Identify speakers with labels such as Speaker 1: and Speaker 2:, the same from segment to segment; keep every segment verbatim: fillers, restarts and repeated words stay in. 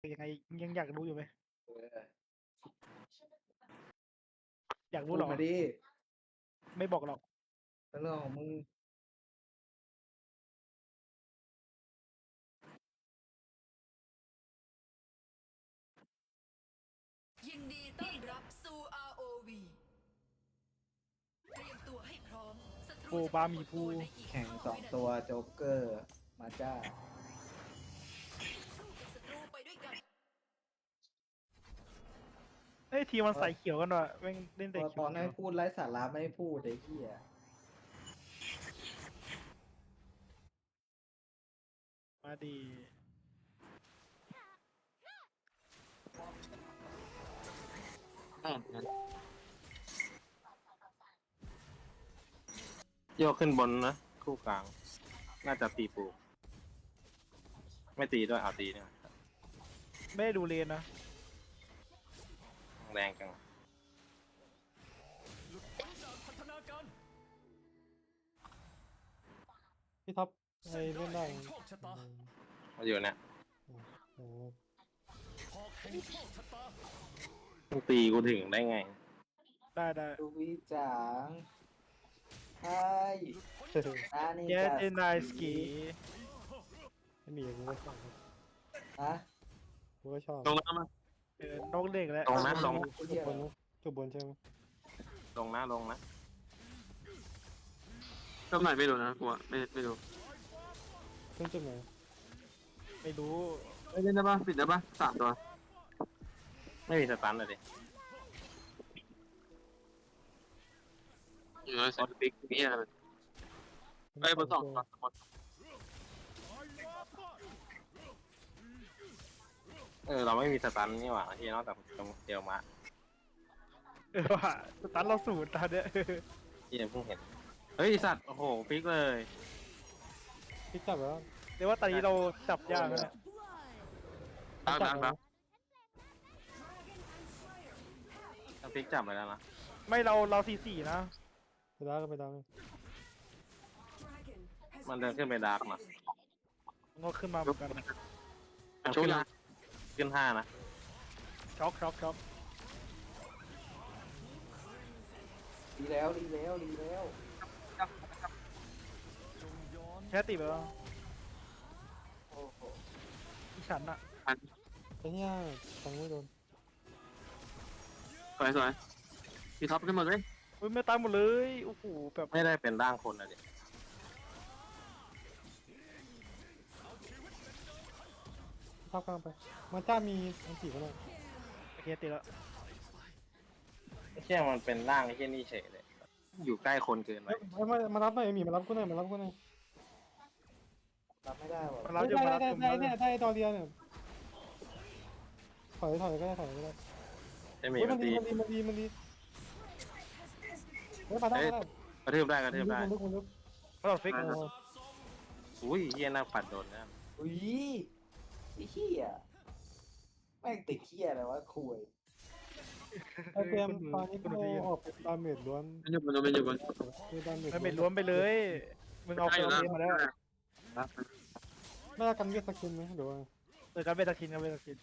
Speaker 1: ยังไงยังอยากรู้อยู่ไหม
Speaker 2: เออ
Speaker 1: อยาก
Speaker 2: พู
Speaker 1: รู้
Speaker 2: ด
Speaker 1: เหรอ
Speaker 2: มาดิ
Speaker 1: ไม่บอกหรอก
Speaker 2: ก็เรื่องของมึง
Speaker 3: ยินดีต้อนรับสู่ อาร์ โอ วี เตรียมตัวให้พร้อมศัตรู
Speaker 1: โอ้
Speaker 3: จะ
Speaker 1: บาหมี่ภู
Speaker 3: ปรากฏในอีก
Speaker 2: แข่ง
Speaker 3: ห้า
Speaker 2: สอง
Speaker 3: วินาที
Speaker 2: ตัวโจ๊กเกอร์ มาจ้า
Speaker 3: สู้กับศัตรูไปด้วยกัน
Speaker 1: เฮ้ยทีมมันใส่เขียวกันว่ะแม่งเล่น
Speaker 2: พ
Speaker 1: แต่
Speaker 2: อ
Speaker 1: เขี
Speaker 2: ต
Speaker 1: ยว
Speaker 2: อนให้พูดไร้สาระไม่ให้พูดไอ้เหี้ย
Speaker 1: มาดี
Speaker 4: โยกขึ้นบนนะคู่กลาง น่าจะตีปูไม่ตีด้วยเอาตีเนี่ย
Speaker 1: ไม่ได้ดูเลนนะ
Speaker 4: แรงจัง
Speaker 5: พี่ท็อปไอเล่นได้
Speaker 4: มาอยู่เนี่ย
Speaker 5: โอ้
Speaker 4: มึงตีกูถึงได้ไง
Speaker 1: ได้ได้
Speaker 2: ดูวิจางใช่นานี่
Speaker 1: แก
Speaker 2: จะ
Speaker 1: เจนายสกี
Speaker 5: ไม่มีกูก็ชอบ
Speaker 2: ฮะ
Speaker 5: กูก็ชอบ
Speaker 4: ตรงนั้นมา
Speaker 1: เออนกเด็กแล้ว
Speaker 4: ตรงนั้นลง
Speaker 5: จบบนนะจบบนใช่ไหม
Speaker 4: ลงนะลงนะ
Speaker 6: ก็ไหนไม่รู้นะกูไม่ไม่รู้
Speaker 5: ขึ้นจุดไหน
Speaker 1: ไม่รู้
Speaker 6: ไม่เล่นได้ปะปิดได้ปะสามตัว
Speaker 4: ไม่มีสตันเลยดิ
Speaker 6: อยู่ในเซตบิ๊กนี่อะไรไอ้ยบนสองตัวบน
Speaker 4: เออเราไม่มีสตันนี่หว่าที่นอกจากเดียวมา
Speaker 1: เออว่ะสตันเราสูตรตอนเนี้ย
Speaker 4: ที่ยังเพิ่งเห็นเฮ้ยไอ้สัตว์โอ้โหฟิกเลย
Speaker 5: พี่จับแล้ว
Speaker 1: เดี๋ยวว่าตอนนี้เราจับยากแล้วเนี่ย
Speaker 6: ดังดังดัง
Speaker 4: ถ้าฟิกจับไปแล้วนะ
Speaker 1: ไม่เราเราสี่สี่นะ
Speaker 5: ไปดาวก็ไปดาว
Speaker 4: มันเดินขึ้นไปดาร์กมา
Speaker 1: มันก็ขึ้นมาเหมือนกัน
Speaker 6: โชว์ยัง
Speaker 4: ขึ้นห้านะ
Speaker 1: ช็อกช็อกช็อก
Speaker 2: ดีแล้วดีแล้วดีแล้ว
Speaker 1: แค่ติดไปแล้ว
Speaker 2: โอ้โห
Speaker 1: อีฉันอะ
Speaker 5: ไอ้เนี่ยฟังไม่โดน
Speaker 6: สวยสวยพี่ท็อปขึ้นมาเลย
Speaker 1: อุ้ยไม่ตายหมดเลยโอ้โหแบบ
Speaker 4: ไม่ได้เป็นร่างคนอะดิ
Speaker 5: ท็อปกลางไปมาจ้ามีอันสี่ก็ได้
Speaker 1: โอเคติดแล้ว
Speaker 4: ไอ้เชี่ยมันเป็นร่างไอ้เชี่ยนี่เฉยเลย อยู่ใกล้คนเกินไป
Speaker 5: เฮ้ยมามารับหน่อยหมีมารับกูหน่อยมารับกูหน่อย
Speaker 2: รับไม่ได้ว่ะ
Speaker 1: มาเรา
Speaker 5: ได้
Speaker 1: จะมา
Speaker 5: ได้
Speaker 1: รับ
Speaker 5: ได้
Speaker 1: ผม
Speaker 5: ได้เนี่ยได้ตอนเดียวเนี่ยถอยถอยก็ได้ถอยก็ได้
Speaker 4: จะมี
Speaker 5: เฮ้ย
Speaker 4: มั
Speaker 5: มัน น
Speaker 4: ตี
Speaker 5: ดีมันดีมันดีมันดีเฮ้ยมาได้มาได้
Speaker 4: กระทืบได้กระทืบได้
Speaker 5: มันลึกมันลึก
Speaker 1: มาเราฟิก
Speaker 5: มันลึก
Speaker 4: อุ้ยเฮียน่าปัดโดนนะ
Speaker 2: อุ้ยไอ้เหี้ยแม่งติดเหี้ยอะไรวะคุย
Speaker 5: ไอเกมตอนนี้กูออกเป็นดาเมจล้วน
Speaker 6: ไม่อยู่บนไม่อยู่บน
Speaker 5: คือดาเมจ
Speaker 1: มันเป็นล้วนไปเลยมึงเอาเฟลเมาแล้ว
Speaker 5: ไม่ได้กันเวทสกินไหมหรือว่า
Speaker 1: เออการเวทคินการเวทคิน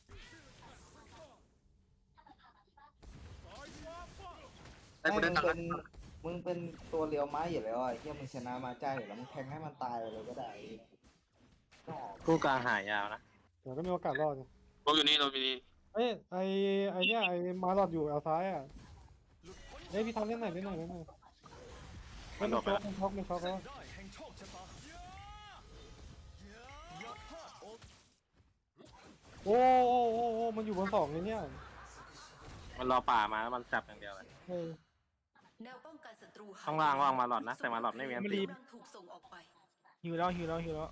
Speaker 6: ไอ้กู
Speaker 2: ไม่
Speaker 6: ได้
Speaker 2: มึง
Speaker 6: ตัง
Speaker 2: เป็น
Speaker 6: ค์
Speaker 2: มึงเป็นตัวเลียวไม้อยู่แล้วอ่ะเหี้ยมึงชนะมาจ้าอยู่แล้วมึงแทงให้มันตายไปเลยก็ได้นอก
Speaker 4: คู่กลางหายาวนะ
Speaker 5: เดี๋ยวก็มีโอกาสรอด
Speaker 6: เราอยู่นี่เราอยู่นี่
Speaker 5: เอ้ยไอไอเนี่ยไอมาหลอดอยู่เอาซ้ายอ่ะเฮ้ยพี่ทำเล่นหน่อยเล่นหน่อยเล่นหน่อย
Speaker 4: มั
Speaker 5: มัน น
Speaker 4: โดดไป
Speaker 5: ช็อก
Speaker 4: แล้ว
Speaker 5: มันช็อกมันช็อกแล้วโอ้โอ้โอ้โอ้มันอยู่บนสองเลยเนี่ย
Speaker 4: มันรอป่ามาแล้วมันจับอย่างเดียวเลย
Speaker 5: เออ
Speaker 3: แนวป้องกันศัตรูหย
Speaker 4: ข้างล่างว่างมาหลอดนะแต่มาหลอดไม่มีอันตี
Speaker 3: กำลังถูกส่งออกไป
Speaker 1: หิวแล้วหิวแล้วหิวแล้ว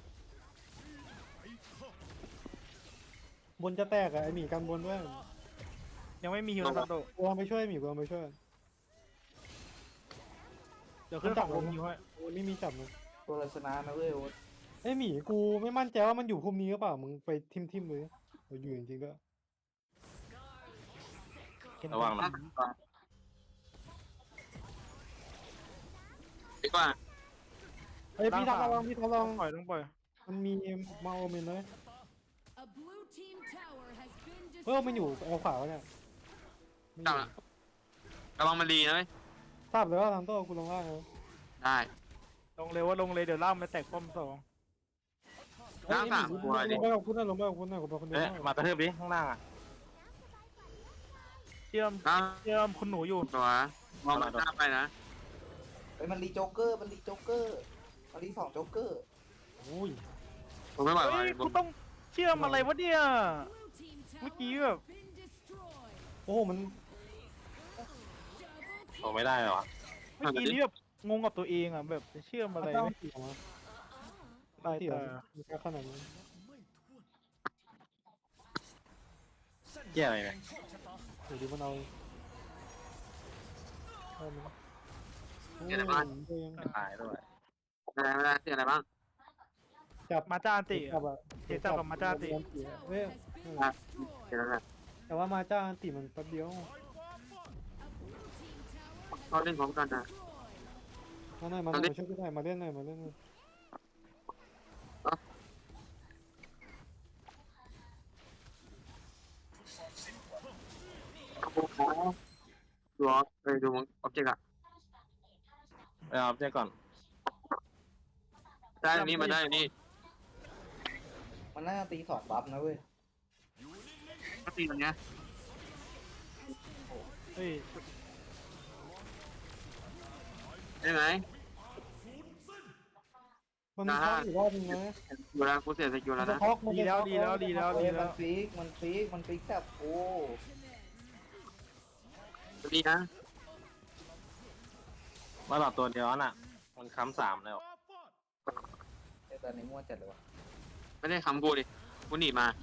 Speaker 5: บนจะแตกอะไอหมีกันบนด้วย
Speaker 1: ยังไม่มีหิวนะโด
Speaker 5: กูลองไปช่วยหมีกูลองไปช่วย
Speaker 1: เดี๋ยวขึ้นฝั่งลมหิวให้
Speaker 5: โอ้ไม่มีจับเลย
Speaker 2: ตัวเราชนะนะเว้ยโอ๊ต
Speaker 5: ไอหมีกูไม่มั่นใจว่ามันอยู่คุมนี้หรือเปล่ามึงไปทิมทิมเลยเราอยู่จริงๆก็
Speaker 4: ระวังนะ
Speaker 6: ดีกว่า
Speaker 5: เอ้ยพี่ทำระวังพี่ทำระวัง
Speaker 1: ปล่อยต้องปล่อย
Speaker 5: มันมีมาโอเมนเลย
Speaker 7: A blue team tower
Speaker 5: เฮ้ยมันอยู่เอาขวาวะเนี่ยไม่อ
Speaker 6: จับ
Speaker 5: ยู่
Speaker 6: ละระวังมันดีนะเว้ย
Speaker 5: ทราบเลยว่าทางโต้กูลงล่างเลย
Speaker 6: ได้
Speaker 1: ลงเลยว่าลงเลยเดี๋ยวล่ามมาแตกป้อมสอง
Speaker 6: ล่างสามตัว
Speaker 5: ล
Speaker 6: ดิ
Speaker 5: งไปกับคุณนะลงไปกับคุณนะกูไปคนเดียว
Speaker 4: เอ๊ะมากระทืบดิข้างล่างอ่ะ
Speaker 1: เชื่อม
Speaker 6: ล่าง
Speaker 1: เชื่อมคุณหนูอยู่
Speaker 6: ตัวมองมันหน้าไปนะ
Speaker 2: เฮ้ยมันรีโจ๊กเกอร์มันรีโจ๊กเกอร์มันรีสองโจ๊กเกอร์
Speaker 5: โอ้ย
Speaker 6: ผมไม่ไหว
Speaker 1: เฮ้ย
Speaker 6: ว่ะ
Speaker 1: กูต้องเชื่อมอะไรวะเนี่ยเมื่อกี้แบบ
Speaker 5: โอ้โหมัน
Speaker 4: โอ้ไม่ได้เหรอ
Speaker 1: เมื่อกี้นี่แบบงงกับตัวเองอ่ะแบบจะเชื่อมอะไร
Speaker 5: เจ้า
Speaker 1: ไม่
Speaker 5: ตีออกมา
Speaker 1: ตาย
Speaker 5: ตีออ
Speaker 1: ตาก
Speaker 5: มีแค่ขนาดนี้
Speaker 4: เกี่ยอะไรเนี่ย
Speaker 5: เดี๋ยวดูมันเอาเอามันโอ้ย
Speaker 4: ตายด้วย
Speaker 6: อะไรไม่ได้เสียอะไรบ้าง
Speaker 5: จับ
Speaker 1: มาจ้าอันติ
Speaker 5: จับอะ
Speaker 1: เจ๊จับกับมาจ้าติ
Speaker 5: เฮ้ย
Speaker 6: อ่ะเสียอะไร
Speaker 5: แต่ว่ามาจ้าอันติมันแป๊บเดียว
Speaker 6: เขาเล่นพร้อมกันนะ
Speaker 5: มาหน่อยมาหน่อยมาช่วยกูหน่อยมาเล่นหน่อยมาเล่นหน่อย
Speaker 6: โอ้โหดูออฟไปดูออบเจกต์อะ
Speaker 4: ไปเอาเจ๊ก่อน
Speaker 6: ได้อันนี้มาได้อันนี้
Speaker 2: มันน่าจะตีสองบัฟนะเว้ย
Speaker 6: ก็ตีมันเนี้ย
Speaker 1: เฮ้ย
Speaker 6: ได้ไหม
Speaker 5: มันมีข้ออีกรอบนึงนะ
Speaker 6: อยู่แล้วกูเสียสกิล
Speaker 5: มั
Speaker 6: แล้
Speaker 5: น
Speaker 6: ว
Speaker 5: จะ
Speaker 6: นะ
Speaker 5: ท็อกมัน
Speaker 1: ดี
Speaker 5: จะ
Speaker 1: แล้ว
Speaker 5: ท็อก
Speaker 1: ดีแล้วดีแล้ว
Speaker 2: เฮ้
Speaker 1: ดี
Speaker 2: ย
Speaker 1: แล้
Speaker 2: มัน
Speaker 1: ว
Speaker 2: ฟิกมันฟิกมันฟิกแบบโอ้
Speaker 6: ดีนะ
Speaker 4: มาหลอดตัวเดียวน่ะ มันค้ำสามแล้ว
Speaker 2: ไอ้ตอนนี้มั่วจัดเลยวะ
Speaker 6: ไม่ได้คำกูดิกูหนีมา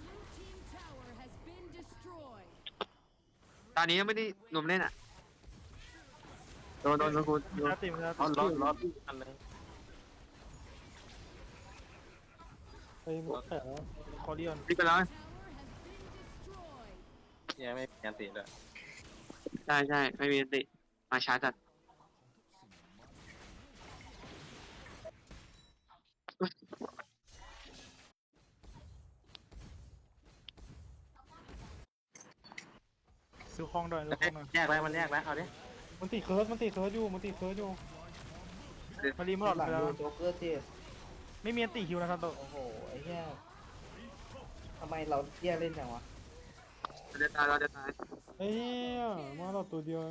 Speaker 6: ตอนนี้ยังไม่ได้หนุ่มเล่นอ่ะโดนโดนโดนกูโดน
Speaker 1: มาติมา
Speaker 4: ร
Speaker 1: ติ
Speaker 4: ถรถรถอันนึง
Speaker 5: ไปหมดแต่แล้ว
Speaker 1: คอเรียน
Speaker 6: รีบไปแล้ว
Speaker 4: ยังไม่ยันตีเลย
Speaker 6: ใช่ใช่ไม่มีสติมาช้าจัด
Speaker 1: ดูคลองหน่อยดูคลองหน่อย
Speaker 4: แยกแล้วมันแยกแล้วเอาดิ
Speaker 5: มันตีเคิร์สมันตีเคิร์สอยู่มันตีเคิร์สอยู่
Speaker 1: มารีมาหลอด
Speaker 2: หลัง
Speaker 1: ไปแล้ว
Speaker 2: โดนโจ๊กเกอร์เจส
Speaker 1: ไม่มีอันติฮิวนะทันโต
Speaker 2: โอ้โหไอ้เหี้ยทำไมเราเหี้ยเล่นจังวะ
Speaker 6: เราจะตายเราจะตาย
Speaker 5: เฮ้ยมาเราตัวเดียว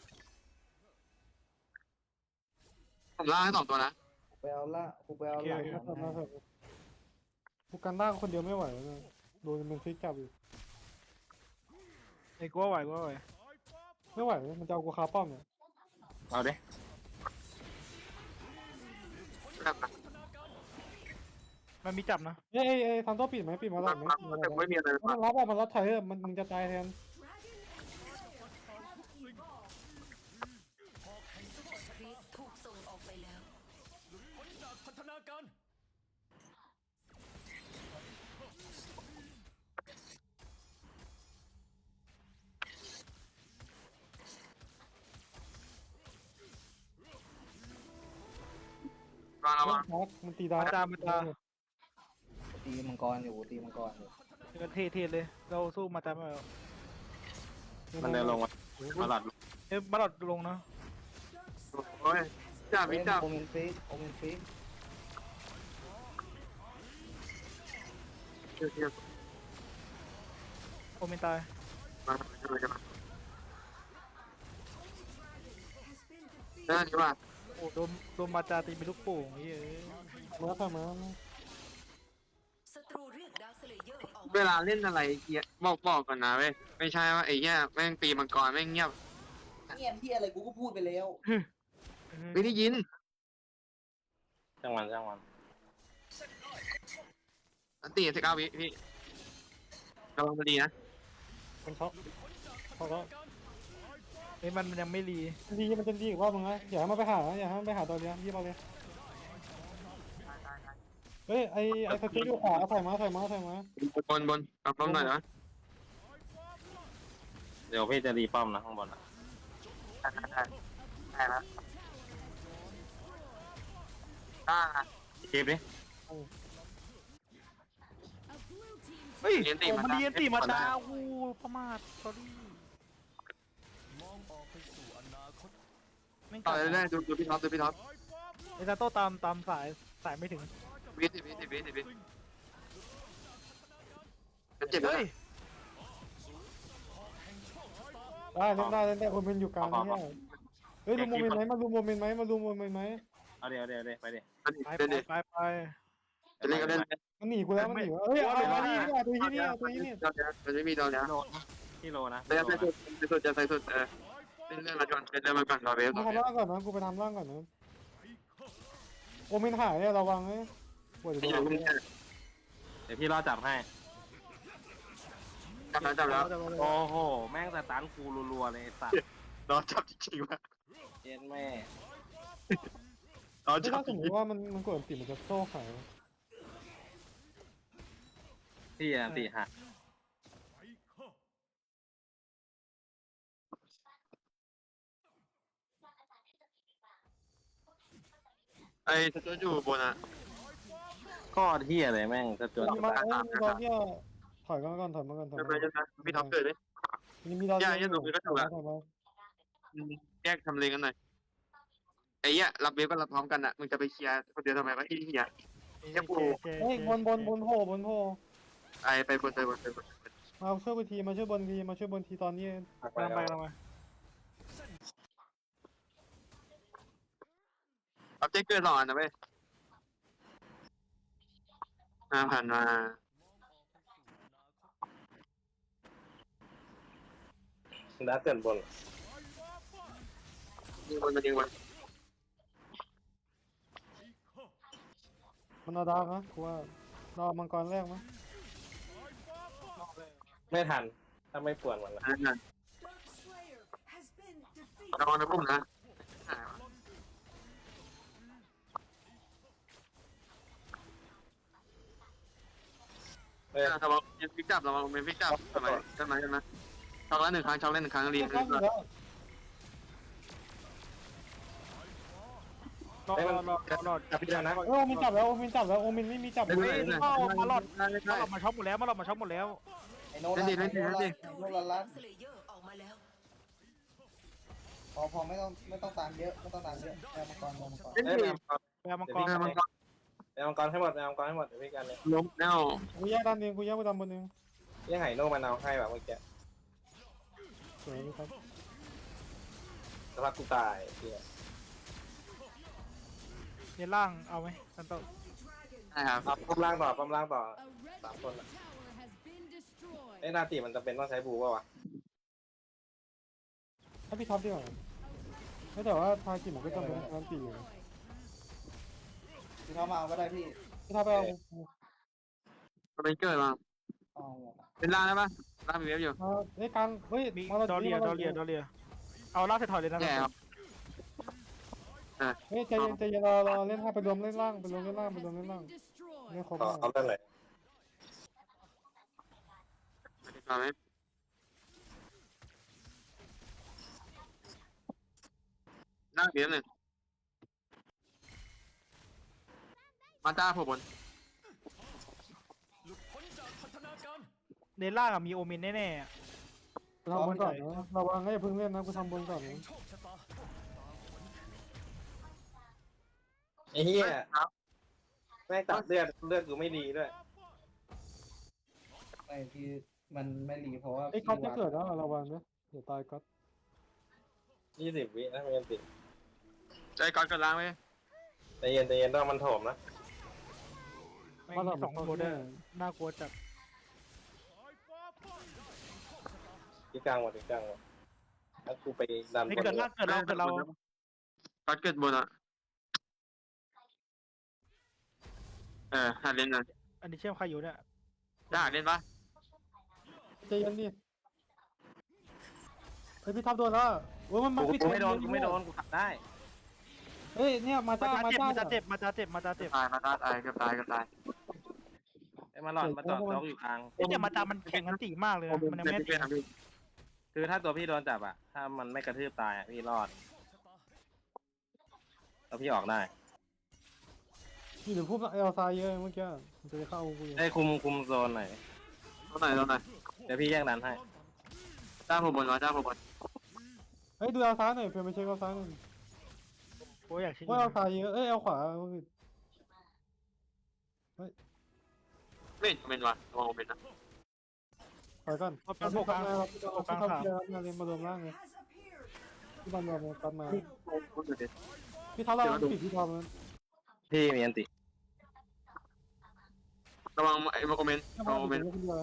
Speaker 6: ผมล่างให้สองตัวนะ
Speaker 2: ไปเอาละกูไปเอาหลัง
Speaker 5: มา
Speaker 2: มัน
Speaker 5: มา
Speaker 2: ให้
Speaker 5: กูกันล่างคนเดียวไม่ไหวแล้วเนี่ยโดนมันฟิกจับอยู่
Speaker 1: ไอ้กูว่าไหวกูว่าไหว
Speaker 5: ไม่ไหวมันจะเอากูคาป้อมเนี่ย
Speaker 4: เอาดิ
Speaker 1: มันมีจับนะ
Speaker 5: เอ้ยเอ้ยเอ้ยทำตัวปิดไหมปิดมาหลังไหม
Speaker 6: แต่ไม่มีอะไรเลย
Speaker 5: มันรับอ่ะมันรับไทยเออมันมึงจะตายแทน
Speaker 3: ครีปถูกส่งออกไปแล้ว
Speaker 6: ระวังระวัง
Speaker 5: พักมันตีดาว
Speaker 1: มาตามาตา
Speaker 2: ตีมังกรอยู่ตีมังกรอยู่
Speaker 1: เจอเทเทเลย เราสู้มาตาไม่ไหว
Speaker 4: มันเดินลงมามาหลอด
Speaker 1: เอ้ยมาหลอดลงนะ
Speaker 6: โอ้ยจับ
Speaker 2: เฮ้
Speaker 6: วิ
Speaker 2: ย
Speaker 6: จับ
Speaker 2: โอเมนฟิกโอเมนฟิก
Speaker 6: เดี๋ยวเดี๋ยว
Speaker 1: โอเมนตาย
Speaker 6: มาจะมาจะมาได้ใช่ป่ะ
Speaker 1: โอ้โดนโดนมาจาตีเป็นลูกโป่งไอ้เอ้ย
Speaker 5: มาทำมา
Speaker 3: ศัตรูเรียกดาร์คสเลเยอร์ออก
Speaker 6: เวลาเล่นอะไรเงี้ยบอกบอกก่อนนะเว้ยไม่ใช่ว่าไอ้เงี้ยแม่งตีมังกรแม่งเงียบ
Speaker 2: เงียบที่อะไรกูก็พูดไปแล้ว
Speaker 6: ไม่ได้ยิน
Speaker 4: ช่างมันช่างมัน
Speaker 6: อันตีสิบเก้าวิพี่ระวังมันดีนะ
Speaker 5: มันเขาเขาก็
Speaker 1: เอ้ยมันยังไม่รี
Speaker 5: ดีมันจะดีอีกรอบนึงนะอย่าให้มันไปหาอย่าให้มันไปหาตัวเนี้ยยี่เราเลยเฮ้ยไอไอสกิลอยู่ขวาใส่มาใส่มาใส่มา
Speaker 6: บนบนกลับป้อมหน่อยนะ
Speaker 4: เดี๋ยวพี่จะรีป้อมนะข้างบนอ่ะ
Speaker 6: ได้ได้ได้แล้วได้
Speaker 4: คลิปดิ
Speaker 1: เฮ้ย
Speaker 6: เรียนตี
Speaker 1: โอ้
Speaker 6: มา
Speaker 1: มัน
Speaker 6: ได้
Speaker 1: เรียนตีมาตาโอ้ยประมาท sorry ไม่ง
Speaker 6: ต่
Speaker 1: ก
Speaker 6: อ
Speaker 1: ลับ
Speaker 6: เรื่อยๆดูดูพี่ท็อปดูพี่ท็อป
Speaker 1: ไอ้ซาโต้ตามตามสายสายไม่ถึง
Speaker 6: วิสิบวิสิบวิสิบวิมันเจ็บแล้ว
Speaker 1: เฮ้ย
Speaker 6: นะ
Speaker 5: ได้เล่นได้เล่นได้โอเมนอยู่กลางเนี่ยเฮ้ยดูโมเมนต์ไหมมาดูโมเมนต์ไหมมาดูโมเมนต์ไหม
Speaker 4: เอาเดี๋ยวเดี๋ยวเดี๋ยวไปดิ
Speaker 1: ไป
Speaker 6: เล่นดิ
Speaker 1: ไปไป
Speaker 6: จะเล่นก็เล่น
Speaker 5: มันหนีกูแล้วมันหนีวะเฮ้ยเอาเอานี่เอาตัวที่นี่เอาตัวที่นี่
Speaker 6: มันไม่มีดาวแล้ว
Speaker 4: โลนะที่โลนะ
Speaker 6: แต่จะใส่สุดใส่สุดจะใส่สุดเออเล่นเล่นมาก่อนเล่นมาก่อนรอเวฟ
Speaker 5: กู
Speaker 6: รอเว
Speaker 5: ทำ
Speaker 6: ฟ
Speaker 5: ร่างก่อนนะกูไปทำร่างก่อนนะโอเมนหายเนี่ยระวังนะปวด
Speaker 6: ไม่
Speaker 5: หั
Speaker 6: อยู่
Speaker 5: ว
Speaker 6: ไม่ได้
Speaker 4: เดี๋ยวพี่รอจับให้
Speaker 6: จับแล้วจับแล้ว
Speaker 4: โอ้โห แม่งสตันกูรัวๆเลยไอ้สัตว์
Speaker 6: รอจับจริงๆว่ะ
Speaker 4: เจ็นแม่
Speaker 6: รอ
Speaker 5: ถ้า
Speaker 6: จับ
Speaker 5: สมมติว่ามันมันกดติดมันจะโซ่ขาย
Speaker 4: พี่อ่ะตีหัก
Speaker 6: ไอ้ตัวอยู่บนอ่ะ
Speaker 4: ข้อเที่ยเลยแม่งจะจน
Speaker 5: มาเอ้ยมีดอนเนี่ยถอยมาก่อนถอยมาก่อนถอย
Speaker 6: จะ
Speaker 5: มา
Speaker 6: ไปจะไปพี่ท็อปเกิดเลย
Speaker 5: นี่มีดอน
Speaker 6: แยกทำเลกันหน่อยไอ้เหี้ยรับเวฟก็รับพร้อมกันอ่ะมึงจะไปเคลียร์คนเดียวทำไมวะไอ้เหี้ย
Speaker 1: เจเจเจ
Speaker 5: เฮ้ยบนบนบนโผบนโผ
Speaker 6: ไอ้ไปบนไปบนไปบน
Speaker 5: มาช่วยบนทีมาช่วยบนทีมาช่วยบนทีตอนนี้
Speaker 1: กำลังไปกำลังไป
Speaker 6: รับเจ๊เกิดหล่อนะเว้ยมาผ่านมา
Speaker 4: ดัดเกินบน
Speaker 6: ยิงบนมายิงบน
Speaker 5: มันเอาดาวนะกูว่าดาวมังกรแรกมั้ย
Speaker 4: ไม่ทัน ถ้าไม่ปวดมันละ
Speaker 6: อันนั้นระวังนะพุ่มนะ
Speaker 4: เฮ้ย
Speaker 6: ระวังเป็นฟิกจับระวังเป็นฟิกจับทำไมทำไมใช่ไหมช็อกแล้วหนึ่งครั้งช็อกแล้วหนึ่งครั้งเรียน
Speaker 5: ข้ามอยู่แล้ว
Speaker 1: รอรอรอรอ
Speaker 4: จับพี่แล้วนะ
Speaker 5: เออโอมินจับแล้วโอมินจับแล้วโอมินไม่มีจับ
Speaker 6: เล่น
Speaker 5: เล
Speaker 6: เล่
Speaker 5: ย
Speaker 6: นเล่น
Speaker 1: มาหลอดมาช็อปหมดแล้วมาหลอดมาช็อปหมดแล้ว
Speaker 2: ไอ้โน้ตไอ้โน้ตไอ้โน้ตละลัน
Speaker 3: สเลเยอร์ออกมาแล้ว
Speaker 2: พอพอไม่ต้องไม่ต้องตามเยอะไม่ต้องตามเยอะแอมังกรแอมังกร
Speaker 6: เล่น
Speaker 4: เอ้ย
Speaker 6: ดี
Speaker 4: แมวมังกร
Speaker 1: แปลมังกร
Speaker 6: เออมันก็
Speaker 4: แมวมังกรให้หมดแมวมังกรให้หมดเดี๋ยวพี่กันเลย
Speaker 6: ล้มแล้ว
Speaker 5: กูแยกด้านนึงกูแยกไปด้านบนนึง
Speaker 4: ยังไห่โน่มันเอาให้แบบเมื่อกี้
Speaker 5: สวยครับ
Speaker 4: สภาพกูตายเฮีย
Speaker 1: เนล่างเอาไหมซันโต้
Speaker 6: ใช่ครับ
Speaker 4: เอาป้อมล่างต่อป้อมล่างต่อ
Speaker 7: A red
Speaker 4: Tạm quân ạ.
Speaker 7: tower has been destroyed.
Speaker 4: ไอ้นาตีมันจะเป็นต้องใช้บูป่าวะ
Speaker 5: ถ้าพี่ท็อปดีกว่าไม่แต่ว่าทากิมันก็จำเป็นการตีอยู่
Speaker 2: พี่เขามาเอาก็ได้พี่
Speaker 5: พี่ท็อปไปเอา
Speaker 6: มันเป็นเกิดมา
Speaker 2: เอาหมด
Speaker 6: เป็นล่างได้ปะล่างมีเวฟอยู่
Speaker 5: มาเฮ้ยกลางเฮ้ย
Speaker 1: มี
Speaker 5: มาเรา
Speaker 1: ดอเลียดอเลียดอเลียเอาลากใส่ถอยเลยนะ
Speaker 6: แย่ครับ
Speaker 5: เฮ้ยใจเย็นใจเย็นรอรอเล่นห้าไปรวมเล่นล่างไปรวมเล่นล่างไปรวมเล่นล่าง
Speaker 7: Destroyed.
Speaker 5: ไม่ครบ
Speaker 4: ต่อเอาเรื่องไหน
Speaker 6: มาไหมล่างเวฟหนึ่งมาจ้าผมบน
Speaker 1: เนล่างอะมีโอเมนแน่ๆอะ
Speaker 5: ทำบนก่อนนะระวังให้อย่าเพิ่งเล่นนะกูทำบนก่อนนะ
Speaker 4: ไอ้เหี้ย
Speaker 6: ครับ
Speaker 4: แม่งตัดเลือดเลือดกูไม่ดีด้วย
Speaker 2: ไม่พี่มันไม่รีเพราะว่า
Speaker 5: ไอ้ก๊อตจะเกิดแล้วระวังนะเดี๋ยวตายก๊อต
Speaker 4: ยี่สิบวินะไม่ยันติ
Speaker 6: ใจก่อนกันล้างไหม
Speaker 4: ใจเย็นใจเย็นต้องมันโถมนะ
Speaker 1: ไม่งมีสองตัวด้วยน่ากลัวจัด
Speaker 4: ที่กลางหมดที่กลางหมดแล้วกูไปดัน
Speaker 1: นี่
Speaker 4: บน
Speaker 1: เกิดล่างเกิดเราเกิดเรา
Speaker 6: ก่อนเกิดบนอ่ะเออหาเล่นนะ
Speaker 1: อันนี้เชื่อมใครอยู่เนี่ย
Speaker 6: ได้เล่นปะ
Speaker 5: ใจเย็นดิเฮ้ยพี่ท็อปโดนแล้วโอ้ยมันมัน
Speaker 4: กูกูไม่โดนกูไม่โดนกูขับได้
Speaker 5: เฮ้ยเนี่ยมา
Speaker 1: มา
Speaker 5: จ้า
Speaker 1: จ้า
Speaker 5: มา
Speaker 1: เจ็บ
Speaker 5: จ้า
Speaker 1: มาจ้าเจ็บมาจ้าเจ็บมาจ้าเจ็บ
Speaker 6: ตายมาตายตายเกือบตายเกือบตาย
Speaker 4: ไอ้มาหลอดมาจอดล็อกอยู่กลาง
Speaker 1: เอ้ยแต่มาจ้ามันแข็งกันตีมากเลยนะมันยังไม่
Speaker 6: เป็
Speaker 1: ตี
Speaker 6: นพี่
Speaker 4: คือถ้าตัวพี่โดนจับอะถ้ามันไม่กระทืบตายอะพี่รอดแล้วพี่ออกได้
Speaker 5: นี่เดี๋ยวพวกเอลซายเยอะเมื่อกี้มันจะเข้ากูอยู่
Speaker 4: ได้คุมคุมโซนหน่อย
Speaker 6: ตรงไหนตรงไหน
Speaker 4: เดี๋ยวพี่แยกดันให้
Speaker 6: จ้าผมบนวะจ้าผมบน
Speaker 5: เฮ้ยดูเอาซ้ายหน่อยเฟรมไปเช็คเอาซ้ายหน่อย
Speaker 1: โอ้ยอยากชิง
Speaker 5: ว่าเอาซ้ายเยอะเอ้ยเอาขวาเอาผิด
Speaker 6: ไม่เห็นเป็นวะมองเป็นนะ
Speaker 5: ถอยก่อน
Speaker 1: เอาเป็นพวกกลาง
Speaker 5: เรา
Speaker 1: พวกกลาง
Speaker 5: ทำ
Speaker 1: สาม
Speaker 5: เกียร์มาเลยมารวมร่างเลยที่บ้านเราตัดมาพี่เท้าเราปิดพี่ทอม
Speaker 4: พี่มีอันติ
Speaker 6: ระวังไอ้มาคอมเมนต์
Speaker 5: ถ้า
Speaker 6: ระวังคอมเม
Speaker 5: มัน
Speaker 6: นต์
Speaker 5: เป็นคนเดียว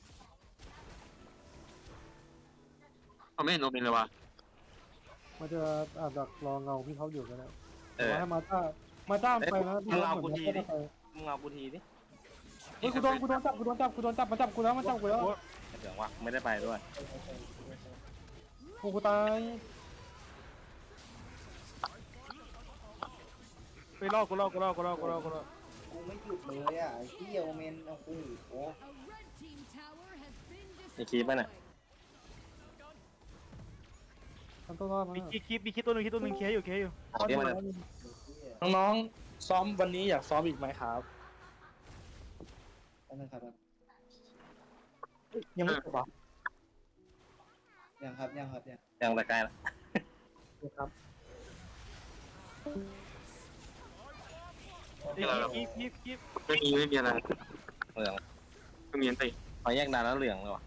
Speaker 6: เขาไม่เห็นโอเมนเลยวะ
Speaker 5: มันจะอาจจะรอเงาพี่เขาอยู่ก็ได้
Speaker 4: เออ
Speaker 5: ให้มาจ้ามาจ้าไปนะ
Speaker 4: มึงเอากูทีดิ มึงเอากูทีดิ
Speaker 5: เฮ้ยกูโดนกูโดนจับกูโดนจับกูโดนจับมาจับกูแล้วมาจับกูแล้ว
Speaker 4: เดี๋ยววะไม่ได้ไปด้วย
Speaker 5: โอ้กูตาย
Speaker 1: ไปลอกกูลอกกูลอกกูลอกกูลอกกูลอก
Speaker 2: กูไม่หยุดเลยอ่ะไอ้เหี้ยโอเมนโอ้โห
Speaker 7: A red team tower has been
Speaker 4: มีคลิปป่ะเนี่ย
Speaker 5: ทำตัวรอดมา
Speaker 1: มีคิดคิดมีคิดตัวหนึงคิดตัวหนึงเคลียร์อยู่เคลียร์อยู่
Speaker 4: เอาที่มัน
Speaker 8: น้องๆซ้อมวันนี้อยากซ้อมอีกไหมครับ
Speaker 2: อันนั้นครับ
Speaker 8: ยังไม่จบเหรอ
Speaker 2: ยังครับยังครับยัง
Speaker 4: ยังแต่ใกล้ละ
Speaker 8: ครับ
Speaker 1: เอ้ยคิดคิดคิด
Speaker 6: ไม่มีไม่มีอะไร
Speaker 4: เหลือง
Speaker 6: ไม่มีอันติ
Speaker 4: พอแยกดานแล้วเหลืองเลยวะ